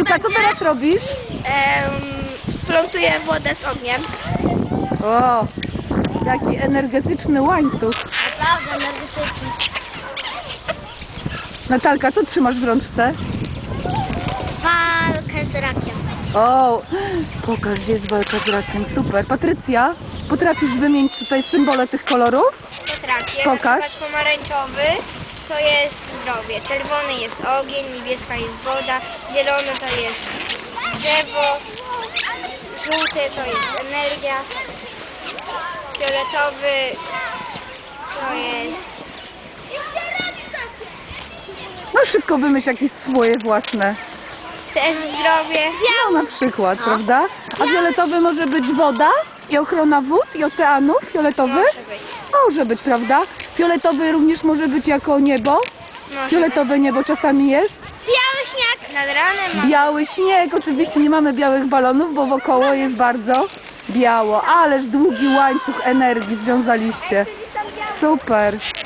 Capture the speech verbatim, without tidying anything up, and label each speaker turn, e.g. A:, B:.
A: Natalka, co teraz robisz?
B: Um, plątuję wodę z ogniem.
A: O, jaki energetyczny łańcuch.
B: Naprawdę energetyczny.
A: Natalka, co trzymasz w rączce?
B: Walkę z rakiem.
A: O, pokaż, gdzie jest walka z rakiem. Super. Patrycja, potrafisz wymienić tutaj symbole tych kolorów?
B: Potrafię.
A: Pokaż.
B: Na przykład pomarańczowy to jest zdrowie, czerwony jest ogień, niebieska jest woda, zielony to jest drzewo, żółty to jest energia, fioletowy to jest...
A: No szybko wymyśl jakieś swoje własne.
B: też zdrowie.
A: No na przykład,
B: No.
A: prawda? A fioletowy może być woda i ochrona wód i oceanów? Fioletowy?
B: Może być.
A: Może być, prawda? Fioletowy również może być jako niebo.
B: Może
A: Fioletowe niebo czasami jest.
B: Biały śnieg nad ranem. ma-
A: Biały śnieg. Oczywiście nie mamy białych balonów, bo wokoło jest bardzo biało. Ależ długi łańcuch energii związaliście. Super.